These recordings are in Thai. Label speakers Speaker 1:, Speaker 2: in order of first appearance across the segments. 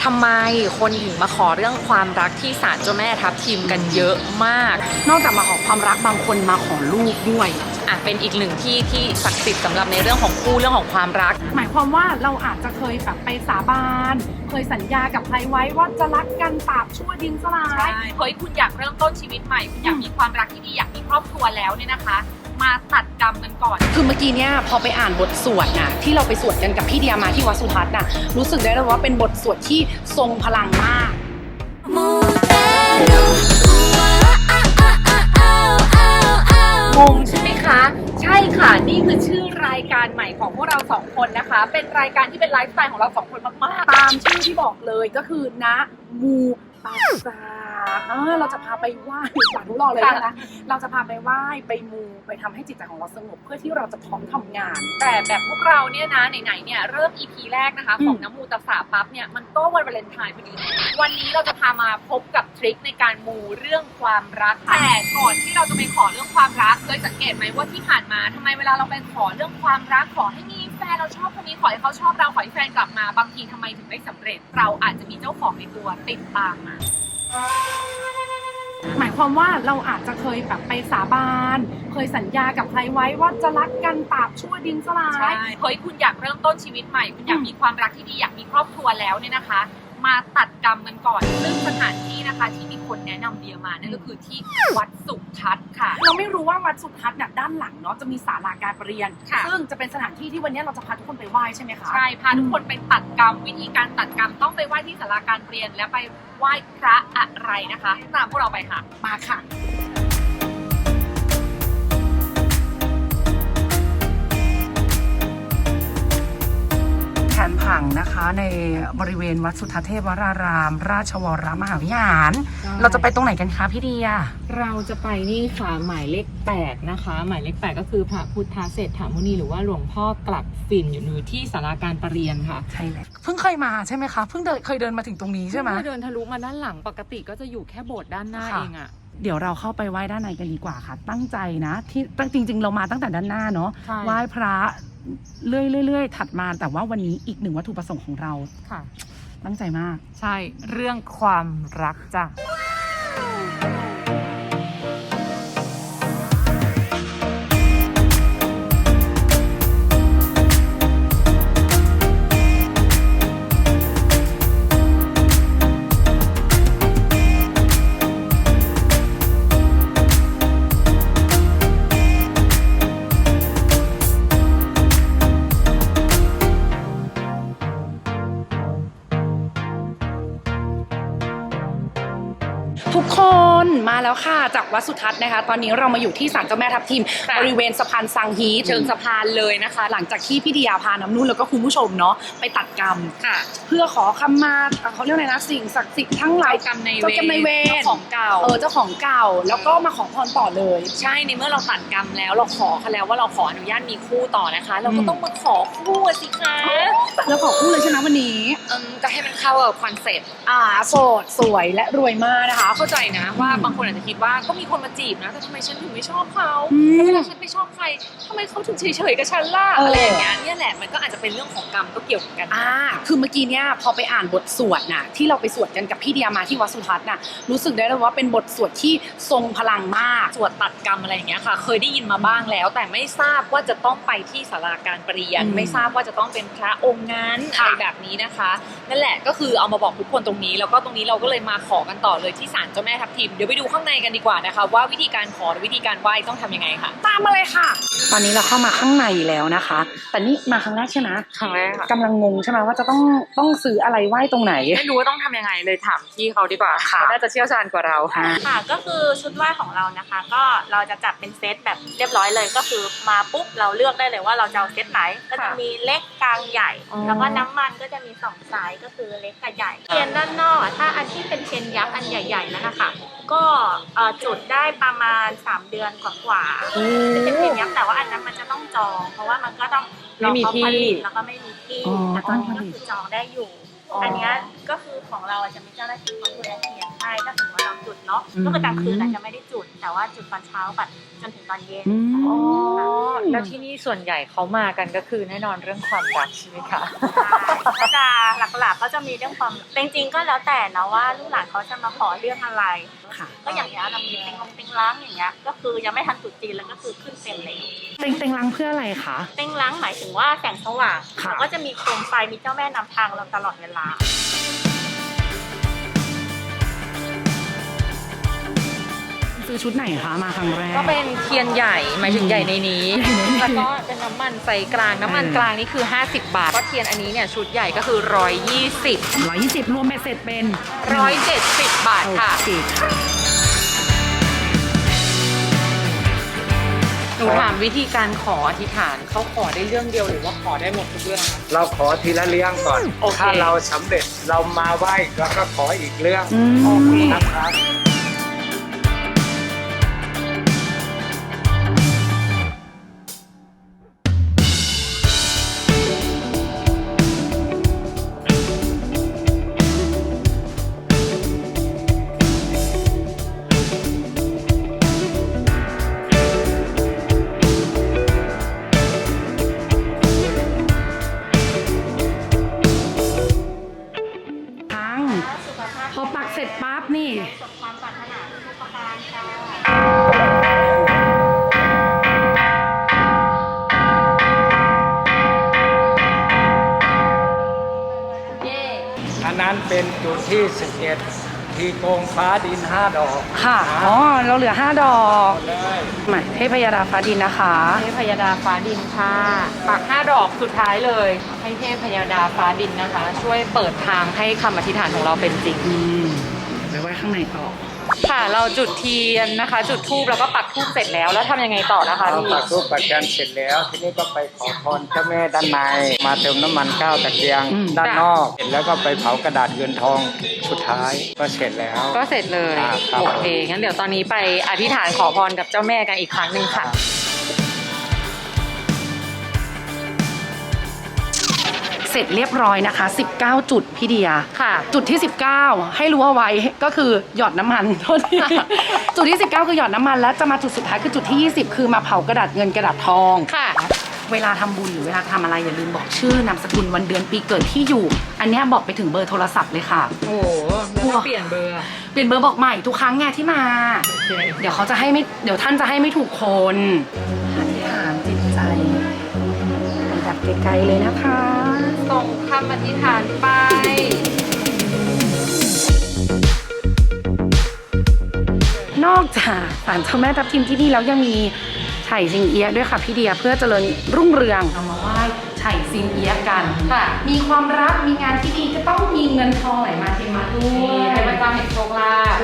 Speaker 1: ทำไมคนถึงมาขอเรื่องความรักที่ศาลเจ้าแม่ทับทิมกันเยอะมาก
Speaker 2: นอกจากมาขอความรักบางคนมาขอลูกด้วย
Speaker 1: เป็นอีกหนึ่งที่ศักดิ์สิทธิ์สำหรับในเรื่องของคู่เรื่องของความรัก
Speaker 2: หมายความว่าเราอาจจะเคยแบบไปสาบานเคยสัญญากับใครไว้ว่าจะรักกันตราบชั่วดินสลาย
Speaker 1: เฮ้ยคุณอยากเริ่มต้นชีวิตใหม่คุณอยากมีความรักที่ดีอยากมีครอบครัวแล้วเนี่ยนะคะมาตัดกรรมกันก่อน
Speaker 2: คือเมื่อกี้เนี่ยพอไปอ่านบทสวดนะที่เราไปสวดกันกับพี่เดียมาที่วัดสุทัศน์น่ะรู้สึกได้เลยว่าเป็นบทสวดที่ทรงพลังมาก
Speaker 1: งงใช่ไหมคะใช่ค่ะนี่คือชื่อรายการใหม่ของพวกเราสองคนนะคะเป็นรายการที่เป็นไลฟ์สไตล์ของเราสองคนมาก
Speaker 2: ๆตามชื่อที่บอกเลยก็คือนะมูปัสสาเราจะพาไปไหว้สาธุรอเลยนะเราจะพาไปไหว้ไปมูไปทำให้จิตใจของเราสงบเพื่อที่เราจะพร้อมทำงาน
Speaker 1: แต่แบบพวกเราเนี่ยนะไหนๆเนี่ยเริ่ม EP แรกนะคะของน้ำมูตัสสะปั๊บเนี่ยมันก็วันวาเลนไทน์พอดีวันนี้เราจะพามาพบกับทริคในการมูเรื่องความรักแต่ก่อนที่เราจะไปขอเรื่องความรักเคยสังเกตไหมว่าที่ผ่านมาทำไมเวลาเราไปขอเรื่องความรักขอให้มีแฟนเราชอบคนนี้ขอให้เขาชอบเราขอให้แฟนกลับมาบางทีทำไมถึงไม่สำเร็จเราอาจจะมีเจ้าของในตัวติดตามมา
Speaker 2: หมายความว่าเราอาจจะเคยแบบไปสาบานเคยสัญญากับใครไว้ว่าจะรักกันตราบชั่วดินสลาย
Speaker 1: เฮ้ยคุณอยากเริ่มต้นชีวิตใหม่คุณอยากมีความรักที่ดีอยากมีครอบครัวแล้วเนี่ยนะคะมาตัดกรรมกันก่อนซึ่งสถานที่นะคะที่มีคนแนะนำเดียมานั่นก็คือที่วัดสุทัศน์ค่ะ
Speaker 2: เราไม่รู้ว่าวัดสุทัศน์เนี่ยด้านหลังเนาะจะมีศาลาการประเรียนซึ่งจะเป็นสถานที่ที่วันนี้เราจะพาทุกคนไปไหว้ใช่ไหมคะ
Speaker 1: ใช่พาทุกคนไปตัดกรรมวิธีการตัดกรรมต้องไปไหว้ที่ศาลาการประเรียนและไปไหว้พระอะไรนะคะตามพวกเราไปค่ะ
Speaker 2: มาค่ะแผนผังนะคะในบริเวณวัดสุทัศน์เทพวรารามราชวรมหาวิหารเราจะไปตรงไหนกันคะพี่เดีย
Speaker 3: เราจะไปนี่ค่ะหมายเลข8นะคะหมายเลข8ก็คือพระพุทธเศรษฐามุนีหรือว่าหลวงพ่อกลับฝิ่นอยู่ที่ศาลาการประเรียนค่ะ
Speaker 2: ใช่เลยเพิ่งเคยมาใช่ไหมคะเพิ่งเคยเดินมาถึงตรงนี้ใช่ไหม
Speaker 3: เดินทะลุมาด้านหลังปกติก็จะอยู่แค่โบสถ์ด้านหน้าเองอะ
Speaker 2: เดี๋ยวเราเข้าไปไหว้ด้านในกันดีกว่าค่ะตั้งใจนะที่จริงๆเรามาตั้งแต่ด้านหน้าเนาะไหว้พระเรื่อยๆถัดมาแต่ว่าวันนี้อีกหนึ่งวัตถุประสงค์ของเรา
Speaker 3: ค่ะ
Speaker 2: ตั้งใจมาก
Speaker 3: ใช่เรื่องความรักจ้ะ
Speaker 2: ทุกคนมาแล้วค่ะจากวัดสุทัศน์นะคะตอนนี้เรามาอยู่ที่ศาลเจ้าแม่ทับทิมบริเวณสะพานสังฮี
Speaker 1: เชิงสะพานเลยนะคะ
Speaker 2: หลังจากที่พี่เดียพาน้ำนุ่นแล้วก็คุณผู้ชมเนาะไปตัดกรรม
Speaker 1: ค่ะ
Speaker 2: เพื่อขอขมาเขาเรียกอะไรนะสิ่งศักดิ์สิทธิ์ทั้งหลาย
Speaker 1: กรรมใน
Speaker 2: เวร
Speaker 1: เจ้าของเก่า
Speaker 2: เจ้าของเก่าแล้วก็มาขอพรต่อเลย
Speaker 1: ใช่ในเมื่อเราตัดกรรมแล้วเราขอเขาแล้วว่าเราขออนุญาตมีคู่ต่อนะคะเราก็ต้องมาขอคู่สิคะ
Speaker 2: แล้วขอคู่เลยใช่ไหมวันนี้
Speaker 1: ก็ให้มันเข้ากับคอนเซ็ปต์
Speaker 2: โสดสวยและรวยมากนะคะ
Speaker 1: เข้าใจนะว่าบางคนอาจจะคิดว่าก็มีคนมาจีบนะแต่ทำไมฉันถึงไม่ชอบเขาเวลาฉันไม่ชอบใครทำไมเขาถึงเฉยๆกับฉันล่ะอะไรอย่างเงี้ยเนี่ยแหละมันก็อาจจะเป็นเรื่องของกรรมก็เกี่ยวกัน
Speaker 2: คือเมื่อกี้เนี่ยพอไปอ่านบทสวดนะที่เราไปสวดกันกับพี่เดียมาที่วัดสุทัศน์น่ะรู้สึกได้เลยว่าเป็นบทสวดที่ทรงพลังมาก
Speaker 1: สวดตัดกรรมอะไรอย่างเงี้ยค่ะเคยได้ยินมาบ้างแล้วแต่ไม่ทราบว่าจะต้องไปที่ศาลาการประเรียนไม่ทราบว่าจะต้องเป็นพระองค์นั้นอะไรแบบนี้นะคะนั่นแหละก็คือเอามาบอกทุกคนตรงนี้แล้วก็ตรงนี้เราก็เลยมาขอกันต่อเลยที่ศาลเจ้าแม่ทับทิมเดี๋ยวไปดูข้างในกันดีกว่านะคะว่าวิธีการขอหรือวิธีการไหว้ต้องทำยังไงค่ะ
Speaker 2: ตามมาเลยค่ะตอนนี้เราเข้ามาข้างในแล้วนะคะแต่นี่มาครั้งแรกใช่ไหม
Speaker 1: ครั้งแรกค่ะ
Speaker 2: กำลังงงใช่ไหมว่าจะต้องซื้ออะไรไหว้ตรงไหน
Speaker 1: ไม่รู้ว่าต้องทำยังไงเลยถามพี่เขาดีกว่าเขาน่าจะเชี่ยวชาญกว่าเรา
Speaker 4: ค่ะก็คือชุดไหว้ของเรานะคะก็เราจะจัดเป็นเซตแบบเรียบร้อยเลยก็คือมาปุ๊บเราเลือกได้เลยว่าเราจะเอาเซตไหนก็จะมีเล็กกลางใหญ่แล้วก็น้ำมันก็จะมี2ไซส์ก็คือเล็กกับใหญ่เทียนด้านนอกถ้าอันที่เป็นเทียนยักษ์อันใหญ่ๆนั่นนะคะก็จุดได้ประมาณ3 เดือนกว่าๆจะเป็นเทียนยักษ์แต่ว่าอันนั้นมันจะต้องจองเพราะว่ามันก็ต้องรอเขาผลิตแล้วก็ไม่มีที่แต่ตอนนี้ก็คือจองได้อยู่อันนี้ก็คือของเราจะมีเจ้าหน้าที่เขาดูแลเทียนใช่ถ้าสมมติว่าเราจุดเนาะก็คือกลางคืนอาจจะไม่ได้จุดแต่ว่าจุดตอนเช้ากับจนถึงตอนเย็น
Speaker 3: อ๋อแล้วที่นี่ส่วนใหญ่เขามากันก็คือแน่นอนเรื่องความรักใช่ไหมคะ
Speaker 4: ก็จะหลักๆก็จะมีเรื่องความจริงๆก็แล้วแต่นะว่าลูกหลานเขาจะมาขอเรื่องอะไร
Speaker 2: ค่ะ
Speaker 4: ก็อย่างเงี้ยเรามีเต็งล้างอย่างเงี้ยก็คือยังไม่ทันตรุษจีนแล้วก็คือขึ้นเต็มเลย
Speaker 2: เต็งรังเพื่ออะไรคะ
Speaker 4: เต็งล้างหมายถึงว่าแสงสว่าง
Speaker 2: ค่ะ
Speaker 4: แล้วก็จะมีโคมไฟมีเจ้าแม่นำทางเราตลอดเวลา
Speaker 2: ซื้อชุดไหนคะมาครั้งแรก
Speaker 3: ก็เป็นเทียนใหญ่หมายถึงใหญ่ในนี้ แล้วก็เป็นน้ำมันไฟกลางน้ำมันกลางนี่คือ 50 บาทก็เทียนอันนี้เนี่ยชุดใหญ่ก็คือ 120
Speaker 2: 120รวมเบ็ดเสร็จเป็น
Speaker 3: 170 บาทค่ะ
Speaker 2: โอเคค่ะ
Speaker 3: หนูถามวิธีการขออธิษฐานเขาขอได้เรื่องเดียวหรือว่าขอได้หมดทุกเรื่องคะ
Speaker 5: เราขอทีละเรื่องก่อน
Speaker 3: โอเค
Speaker 5: ถ้าเราสำเร็จเรามาไหว้เราก็ขออีกเรื่อง
Speaker 3: โอเค
Speaker 5: นะครับ
Speaker 2: ทั้งพอปักเสร็จปั๊บนี่
Speaker 4: สมความปรารถนาทุกประการค่ะ
Speaker 3: เย่
Speaker 5: อันนั้นเป็นจุดที่11ที่โกงฟ้าดิน5 ดอก
Speaker 2: ค่ะ อ๋อ เราเหลือ 5 ดอก
Speaker 5: เลย
Speaker 2: หมายเทพยดาฟ้าดินนะคะ
Speaker 3: เทพยดาฟ้าดินค่ะปัก5 ดอกสุดท้ายเลย ให้เทพยดาฟ้าดินนะคะ ช่วยเปิดทางให้คำอธิษฐานของเราเป็นจริง
Speaker 2: ไปไว้ข้างในต่อ
Speaker 3: ค่ะเราจุดเทียนนะคะ จุดธูปแล้วก็ปักธูปเสร็จแล้วแล้วทำยังไงต่อนะคะ
Speaker 5: เรา
Speaker 3: พี่
Speaker 5: ปักรูปปักยันเสร็จแล้ว ทีนี้ก็ไปขอพรเจ้าแม่ด้านใน มาเติมน้ำมันข้าวตะเกียง
Speaker 2: อืม
Speaker 5: ด้านนอกเสร็จแล้วก็ไปเผากระดาษเงินทองสุดท้ายก็เสร็จแล้ว
Speaker 3: ก็เสร็จเลย
Speaker 5: ครับ
Speaker 3: โอเคงั้นเดี๋ยวตอนนี้ไปอธิษฐานขอพรกับเจ้าแม่กันอีกครั้งหนึ่งค่ะ
Speaker 2: เสร็จเรียบร้อยนะคะ 19 จุดพี่เดีย
Speaker 3: ค่ะ
Speaker 2: จุดที่ 19 ให้รู้เอาไว้ก็คือหยอดน้ำมัน โทษที จุดที่ 19 คือหยอดน้ำมันแล้วจะมาจุดสุดท้ายคือจุดที่ 20 คือมาเผากระดาษเงินกระดาษทอง
Speaker 3: ค่ะ
Speaker 2: เวลาทำบุญหรือเวลาทำอะไรอย่าลืมบอกชื่อนามสกุลวันเดือนปีเกิดที่อยู่ อันเนี้ยบอกไปถึงเบอร์โทรศัพท์เลยค่ะ
Speaker 3: โอ้โหแล้วก็เปลี่ยนเบอร์
Speaker 2: เปลี่ยนเบอร์บอกใหม่ทุกครั้งไงที่มา
Speaker 3: โอเค
Speaker 2: เดี๋ยวเขาจะให้ไม่เดี๋ยวท่านจะให้ไม่ถูกคนอธิษฐานจิตใจไปดับไกลๆเลยนะคะ
Speaker 3: ส่งคำอธิษฐานไป
Speaker 2: นอกจากศาลเจ้าแม่ทับทิมที่นี่แล้วยังมีไฉซิงเอียะด้วยค่ะพี่เดียเพื่อเจริญรุ่งเรืองเอามาไหว้ไฉซิงเอียะกัน
Speaker 3: ค่ะ
Speaker 2: มีความรักมีงานที่ดีก็ต้องมีเงินทองไหลมาเทมาด้ว
Speaker 3: นี่
Speaker 2: ย
Speaker 3: เป็นประจำแห่งโชคลาภ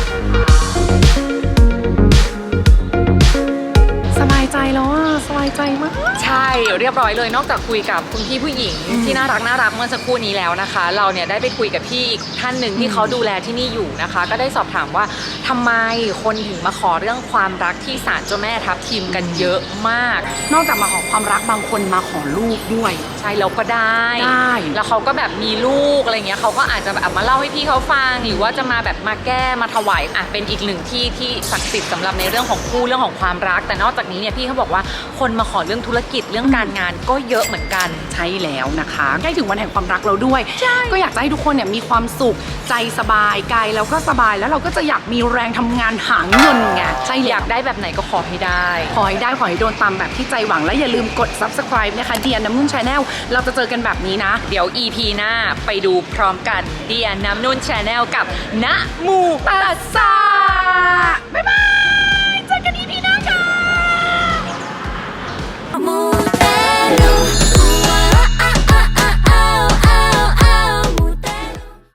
Speaker 2: สบายใจแล้วอ่ะสบายใจมาก
Speaker 3: ใช่เรียบร้อยเลยนอกจากคุยกับคุณพี่ผู้หญิงที่น่ารักเมื่อสักครู่นี้แล้วนะคะ เราเนี่ยได้ไปคุยกับพี่อีกท่านหนึ่งที่เขาดูแลที่นี่อยู่นะคะ ก็ได้สอบถามว่าทำไมคนถึงมาขอเรื่องความรักที่ศาลเจ้าแม่ทับทิมกันเยอะมาก
Speaker 2: นอกจากมาขอความรักบางคนมาขอลูกด้วย
Speaker 3: ใช่แล้วก็ได้
Speaker 2: ได้
Speaker 3: แล้วเขาก็แบบมีลูกอะไรเงี้ยเขาก็อาจจะแบบมาเล่าให้พี่เขาฟังหรือว่าจะมาแบบมาแก้มาถวายเป็นอีกหนึ่งที่ที่ศักดิ์สิทธิ์สำหรับในเรื่องของคู่เรื่องของความรัก แต่นอกจากนี้เนี่ยพี่เขาบอกว่าคนมาขอเรื่องธุรกิจเรื่องการงานก็เยอะเหมือนกัน
Speaker 2: ใช่แล้วนะคะใกล้ถึงวันแห่งความรักเราด้วย ก็อยากจะให้ทุกคนเนี่ยมีความสุขใจสบายกายแล้วก็สบายแล้วเราก็จะอยากมีแรงทำงานหาเงินไงใช่
Speaker 3: อยากได้แบบไหนก็ขอให้ได้
Speaker 2: ขอให้ได้ขอให้โดนตามแบบที่ใจหวังและอย่าลืมกด subscribe นะคะเดียน้ำนุ่น Channel เราจะเจอกันแบบนี้นะ
Speaker 3: เดี๋ยว EP หน้าไปดูพร้อมกันเดียน้ำนุ่น Channel กับณมูตัสสา